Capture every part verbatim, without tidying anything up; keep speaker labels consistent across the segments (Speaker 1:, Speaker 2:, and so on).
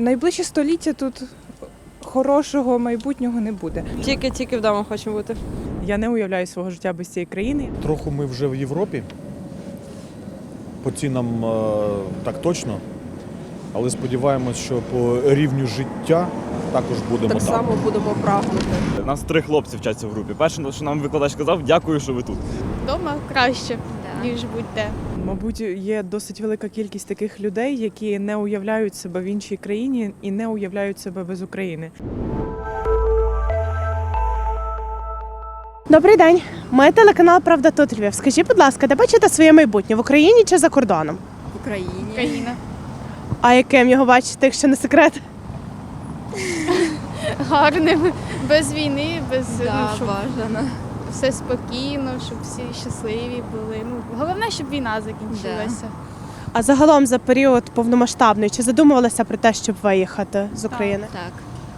Speaker 1: Найближче століття тут хорошого майбутнього не буде.
Speaker 2: Тільки-тільки вдома хочемо бути.
Speaker 1: Я не уявляю свого життя без цієї країни.
Speaker 3: Трохи ми вже в Європі. По цінам е, так точно. Але сподіваємось, що по рівню життя також будемо
Speaker 2: Так
Speaker 3: там.
Speaker 2: само будемо прагнути.
Speaker 4: У нас три хлопці вчаться в групі. Перше, що нам викладач сказав, дякую, що ви тут.
Speaker 5: Дома краще, ніж будь-де.
Speaker 1: Мабуть, є досить велика кількість таких людей, які не уявляють себе в іншій країні і не уявляють себе без України.
Speaker 6: Добрий день. Ми телеканал Правда тут Львів. Скажіть, будь ласка, де бачите своє майбутнє в Україні чи за кордоном?
Speaker 2: В Україні.
Speaker 5: Україна.
Speaker 6: А яким його бачите, якщо не секрет?
Speaker 5: Гарним, без війни, без
Speaker 2: Да,
Speaker 5: ну, щоб
Speaker 2: бажано.
Speaker 5: все спокійно, щоб всі щасливі були. Ну, головне, щоб війна закінчилася.
Speaker 6: А загалом за період повномасштабної чи задумувалися про те, щоб виїхати з України?
Speaker 2: Так,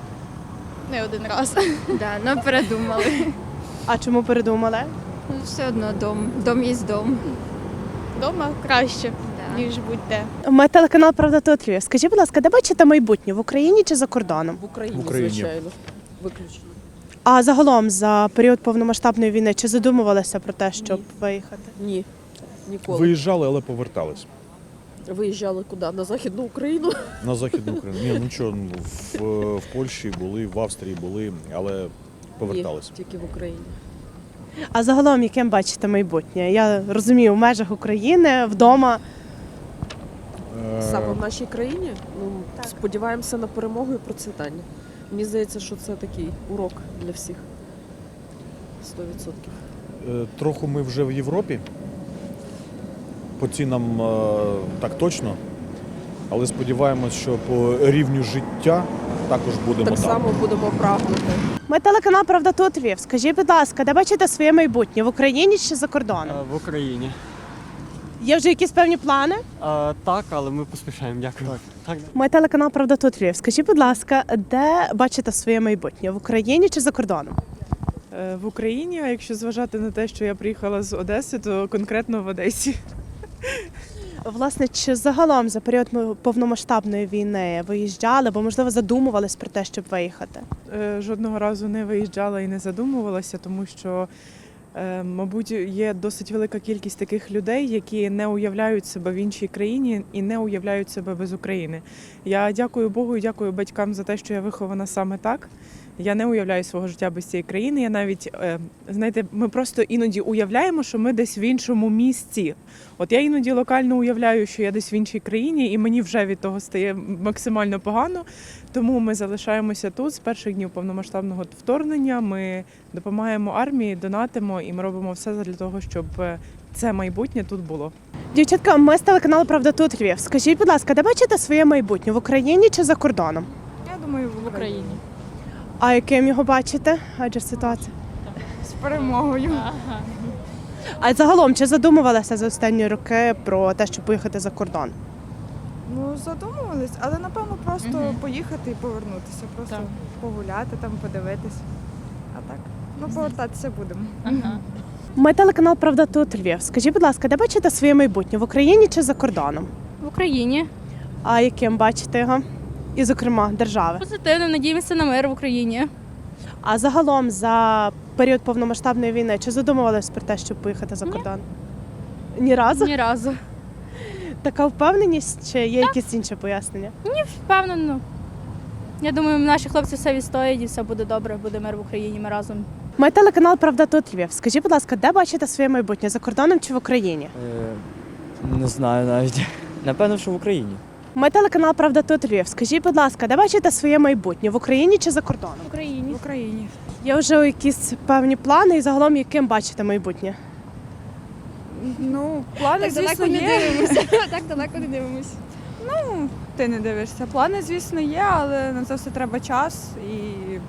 Speaker 5: Не один раз.
Speaker 2: да, ну передумали.
Speaker 6: А чому передумали?
Speaker 2: Ну, все одно дом, дом є дом.
Speaker 5: Дома краще,
Speaker 2: Да.
Speaker 5: ніж будь-де.
Speaker 6: Ми телеканал Правда тут Львів. Скажіть, будь ласка, де бачите майбутнє в Україні чи за кордоном?
Speaker 2: В Україні,
Speaker 3: В Україні.
Speaker 2: звичайно. Виключно.
Speaker 6: А загалом за період повномасштабної війни чи задумувалися про те, щоб виїхати?
Speaker 7: Ні, ніколи.
Speaker 3: Виїжджали, але повертались.
Speaker 7: Виїжджали куди? На Західну Україну?
Speaker 3: На Західну Україну. Ні, ну чого, ну, в, в Польщі були, в Австрії були, але повертались.
Speaker 7: Ні, тільки в Україні.
Speaker 6: А загалом яким бачите майбутнє? Я розумію, в межах України, вдома.
Speaker 3: Е,
Speaker 7: Саме в нашій країні ну, сподіваємося на перемогу і процвітання. Мені здається, що це такий урок для всіх. Сто відсотків.
Speaker 3: е, Трохи ми вже в Європі. По цінам е, так точно. Але сподіваємось, що по рівню життя також будемо
Speaker 7: Так
Speaker 3: там.
Speaker 7: само будемо прагнути.
Speaker 6: Ми телеканал Правда тут Львів. Скажіть, будь ласка, де бачите своє майбутнє в Україні чи за кордоном?
Speaker 8: В Україні.
Speaker 6: Є вже якісь певні плани?
Speaker 8: А, так, але ми поспішаємо, дякую. Так.
Speaker 6: Ми телеканал Правда тут Львів. Скажіть, будь ласка, де бачите своє майбутнє в Україні чи за кордоном?
Speaker 1: Е, В Україні, а якщо зважати на те, що я приїхала з Одеси, то конкретно в Одесі.
Speaker 6: Власне, чи загалом за період повномасштабної війни виїжджали, або можливо задумувались про те, щоб виїхати?
Speaker 1: Е, Жодного разу не виїжджала і не задумувалася, тому що, е, мабуть, є досить велика кількість таких людей, які не уявляють себе в іншій країні і не уявляють себе без України. Я дякую Богу і дякую батькам за те, що я вихована саме так. Я не уявляю свого життя без цієї країни. Я навіть, е, знаєте, ми просто іноді уявляємо, що ми десь в іншому місці. От я іноді локально уявляю, що я десь в іншій країні, і мені вже від того стає максимально погано. Тому ми залишаємося тут з перших днів повномасштабного вторгнення. Ми допомагаємо армії, донатимо, і ми робимо все для того, щоб це майбутнє тут було.
Speaker 6: Дівчатка, ми з телеканалу Правда тут Львів. Скажіть, будь ласка, де бачите своє майбутнє в Україні чи за кордоном?
Speaker 5: Я думаю, в Україні.
Speaker 6: А яким його бачите? Адже ситуація.
Speaker 5: З перемогою.
Speaker 6: А загалом, чи задумувалися за останні роки про те, щоб поїхати за кордон?
Speaker 9: Ну, задумувались, але напевно просто поїхати і повернутися, просто
Speaker 5: Так.
Speaker 9: погуляти, там подивитись. А так, ну повертатися будемо.
Speaker 6: Ми телеканал Правда тут Львів. Скажіть, будь ласка, де бачите своє майбутнє в Україні чи за кордоном?
Speaker 5: В Україні.
Speaker 6: А яким бачите його? І, зокрема, держави.
Speaker 5: Позитивно, надіємося на мир в Україні.
Speaker 6: А загалом за період повномасштабної війни чи задумувалися про те, щоб поїхати за кордон? Ні разу?
Speaker 5: Ні разу.
Speaker 6: Така впевненість, чи є якісь інші пояснення?
Speaker 5: Впевнено. Я думаю, наші хлопці все відстоять і все буде добре, буде мир в Україні, ми разом.
Speaker 6: Ми телеканал Правда тут Львів. Скажіть, будь ласка, де бачите своє майбутнє за кордоном чи в Україні?
Speaker 8: Е, не знаю навіть. Напевно, що в Україні.
Speaker 6: Ми телеканал Правда тут Львів. Скажіть, будь ласка, де бачите своє майбутнє в Україні чи за кордоном?
Speaker 5: В Україні.
Speaker 9: В Україні.
Speaker 6: Є вже якісь певні плани і загалом яким бачите майбутнє?
Speaker 9: Ну, плани, звісно, є.
Speaker 5: дивимося. Так далеко не дивимося.
Speaker 9: Ну, ти не дивишся. Плани, звісно, є, але на це все треба час і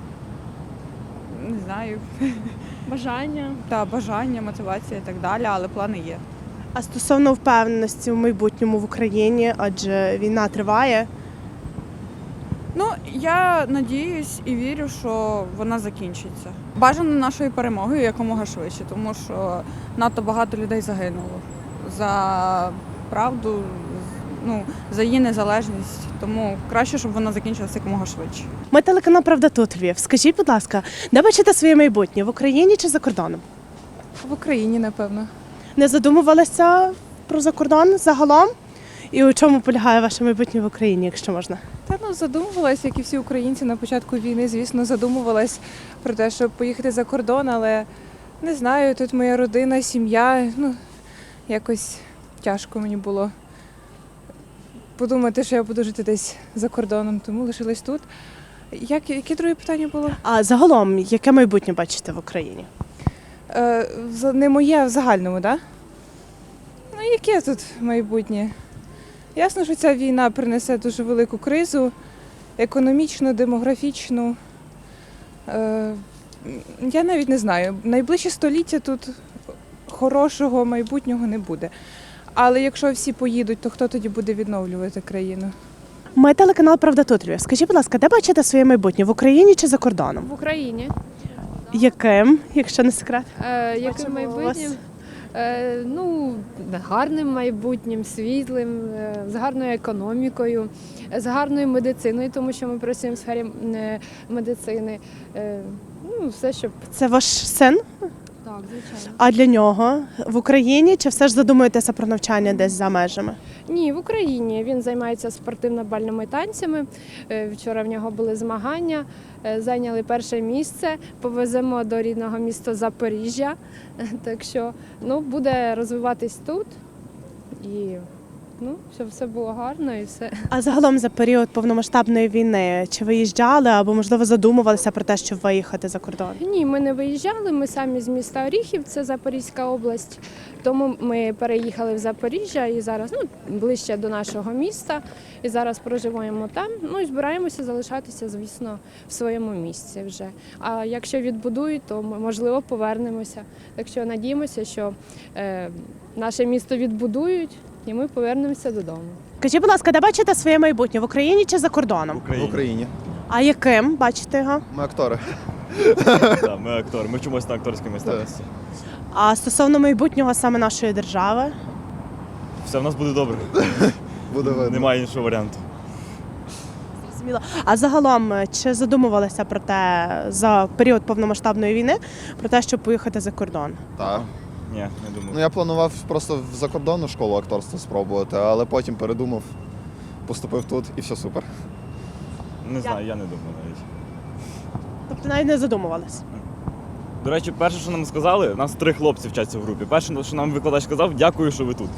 Speaker 9: не знаю,
Speaker 5: Бажання.
Speaker 9: та бажання, мотивація і так далі, але плани є.
Speaker 6: А стосовно впевненості в майбутньому в Україні, адже війна триває.
Speaker 9: Ну, я надіюсь і вірю, що вона закінчиться. Бажано нашою перемогою якомога швидше, тому що надто багато людей загинуло за правду, ну, за її незалежність. Тому краще, щоб вона закінчилася якомога швидше.
Speaker 6: Ми телеканал Правда тут Львів. Скажіть, будь ласка, де бачите своє майбутнє в Україні чи за кордоном?
Speaker 1: В Україні, напевно.
Speaker 6: Не задумувалися про закордон загалом? І у чому полягає ваше майбутнє в Україні, якщо можна?
Speaker 1: Та ну задумувалась, як і всі українці на початку війни, звісно, задумувалась про те, щоб поїхати за кордон, але не знаю, тут моя родина, сім'я. Ну, якось тяжко мені було подумати, що я буду жити десь за кордоном, тому лишилась тут. Як, яке друге питання було?
Speaker 6: А загалом, яке майбутнє бачите в Україні?
Speaker 1: Е, за- не моє, а в загальному, так? Да? Ну, яке тут майбутнє? Ясно, що ця війна принесе дуже велику кризу, економічну, демографічну. Е, я навіть не знаю. Найближче століття тут хорошого майбутнього не буде. Але якщо всі поїдуть, то хто тоді буде відновлювати країну?
Speaker 6: Ми телеканал Правда тут Львів. Скажіть, будь ласка, де бачите своє майбутнє в Україні чи за кордоном?
Speaker 2: В Україні.
Speaker 6: Яким, якщо не секрет?
Speaker 2: Е, яким
Speaker 6: Бачимо у вас.
Speaker 2: майбутнім? Е, ну, гарним майбутнім, світлим, е, з гарною економікою, е, з гарною медициною, тому що ми працюємо в сфері е, медицини. Е, ну, все, щоб
Speaker 6: Це ваш син?
Speaker 2: так, звичайно.
Speaker 6: А для нього в Україні чи все ж задумуєтеся про навчання десь за межами?
Speaker 2: Ні, в Україні він займається спортивно-бальними танцями. Е, Вчора в нього були змагання, е, зайняли перше місце. Повеземо до рідного міста Запоріжжя. Так що ну, буде розвиватись тут і ну, щоб все було гарно і все.
Speaker 6: А загалом за період повномасштабної війни чи виїжджали або можливо задумувалися про те, щоб виїхати за кордон?
Speaker 2: Ні, ми не виїжджали, ми самі з міста Оріхів, це Запорізька область. Тому ми переїхали в Запоріжжя і зараз ну, ближче до нашого міста. І зараз проживаємо там. Ну і збираємося залишатися, звісно, в своєму місці вже. А якщо відбудують, то ми, можливо, повернемося. Так що надіємося, що е, наше місто відбудують і ми повернемося додому.
Speaker 6: Скажіть, будь ласка, де бачите своє майбутнє в Україні чи за кордоном?
Speaker 4: В
Speaker 10: В Україні.
Speaker 6: А яким бачите його?
Speaker 10: Ми актори.
Speaker 4: Так, ми актори. Ми вчимося на акторській майстерності.
Speaker 6: А стосовно майбутнього саме нашої держави?
Speaker 4: Все в нас буде добре.
Speaker 10: Буде видно.
Speaker 4: Немає іншого варіанту.
Speaker 6: Зрозуміло. А загалом, чи задумувалися про те за період повномасштабної війни, про те, щоб поїхати за кордон?
Speaker 10: Так.
Speaker 4: Ні, не думаю.
Speaker 10: Ну я планував просто в закордонну школу акторства спробувати, але потім передумав, поступив тут і все супер.
Speaker 4: Не знаю, я не думаю навіть.
Speaker 6: Тобто навіть не задумувалися?
Speaker 4: До речі, перше, що нам сказали, нас три хлопці вчаться в групі. Перше, що нам викладач сказав, дякую, що ви тут.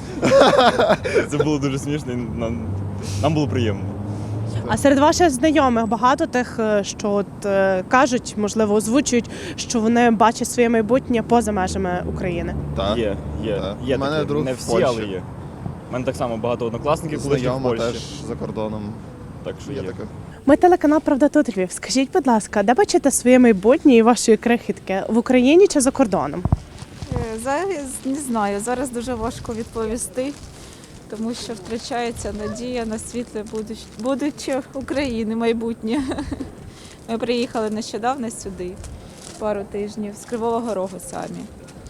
Speaker 4: Це було дуже смішно і нам, нам було приємно.
Speaker 6: А серед ваших знайомих багато тих, е, що от, е, кажуть, можливо, озвучують, що вони бачать своє майбутнє поза межами України.
Speaker 10: Так.
Speaker 4: Є, є.
Speaker 10: Так.
Speaker 4: Є
Speaker 10: У мене
Speaker 4: таке.
Speaker 10: друг
Speaker 4: Не
Speaker 10: в
Speaker 4: всі,
Speaker 10: Польщі.
Speaker 4: але є. У мене так само багато однокласників колишніх в
Speaker 10: Знайома
Speaker 4: Польщі.
Speaker 10: теж за кордоном.
Speaker 4: Так що
Speaker 10: Є
Speaker 4: є.
Speaker 10: таке.
Speaker 6: Ми телеканал Правда тут Львів. Скажіть, будь ласка, де бачите своє майбутнє і вашої крихітки в Україні чи за кордоном?
Speaker 11: Зараз не знаю, зараз дуже важко відповісти, тому що втрачається надія на світле будуч- будуче України, майбутнє. Ми приїхали нещодавно сюди, пару тижнів, з Кривого Рогу самі.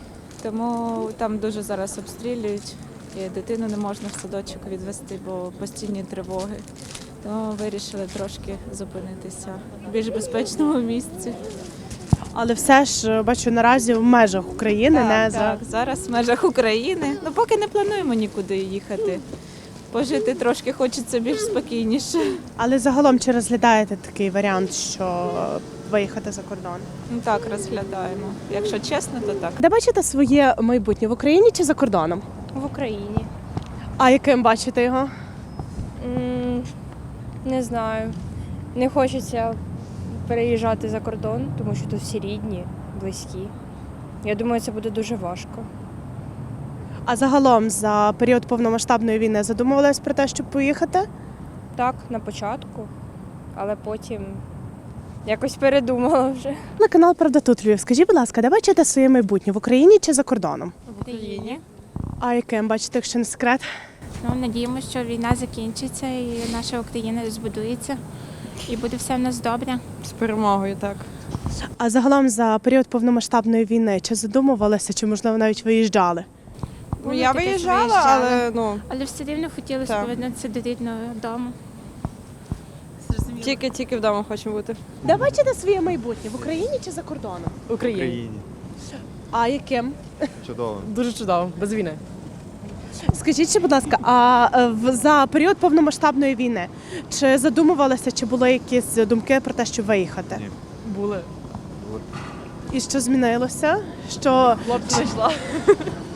Speaker 11: Тому там дуже зараз обстрілюють, і дитину не можна в садочок відвести, бо постійні тривоги. Тому вирішили трошки зупинитися в більш безпечному місці.
Speaker 6: Але все ж бачу наразі в межах України,
Speaker 11: Так,
Speaker 6: не
Speaker 11: так,
Speaker 6: за
Speaker 11: зараз в межах України. Ну поки не плануємо нікуди їхати. Пожити трошки хочеться більш спокійніше.
Speaker 6: але загалом чи розглядаєте такий варіант, що виїхати за кордон?
Speaker 11: Ну так, розглядаємо. Якщо чесно, то так.
Speaker 6: Де бачите своє майбутнє в Україні чи за кордоном?
Speaker 2: В Україні.
Speaker 6: А яким бачите його?
Speaker 2: М, Не знаю. Не хочеться переїжджати за кордон, тому що тут всі рідні, близькі. Я думаю, це буде дуже важко.
Speaker 6: А загалом за період повномасштабної війни задумувались про те, щоб поїхати?
Speaker 2: Так, на початку, але потім якось передумала вже.
Speaker 6: На канал Правда тут Львів. Скажіть, будь ласка, де бачите своє майбутнє в Україні чи за кордоном?
Speaker 11: В Україні.
Speaker 6: А яким бачите, якщо не секрет?
Speaker 11: Ну, надіємося, що війна закінчиться і наша Україна збудується. І буде все в нас добре.
Speaker 9: З перемогою, так.
Speaker 6: А загалом за період повномасштабної війни чи задумувалися, чи можливо навіть виїжджали?
Speaker 9: Ну, я виїжджала, але ну
Speaker 5: Але все рівно хотілося
Speaker 9: Так.
Speaker 5: повернутися до рідного дому.
Speaker 9: тільки-тільки вдома хочемо бути.
Speaker 6: Де бачите своє майбутнє? В Україні чи за кордоном?
Speaker 7: В Україні.
Speaker 6: А яким?
Speaker 10: Чудово.
Speaker 7: Дуже чудово, без війни.
Speaker 6: Скажіть, ще, будь ласка, а е, в- за період повномасштабної війни чи задумувалися, чи були якісь думки про те, щоб виїхати?
Speaker 10: Ні.
Speaker 7: Були.
Speaker 6: І що змінилося? Що
Speaker 7: Хлопці знайшла.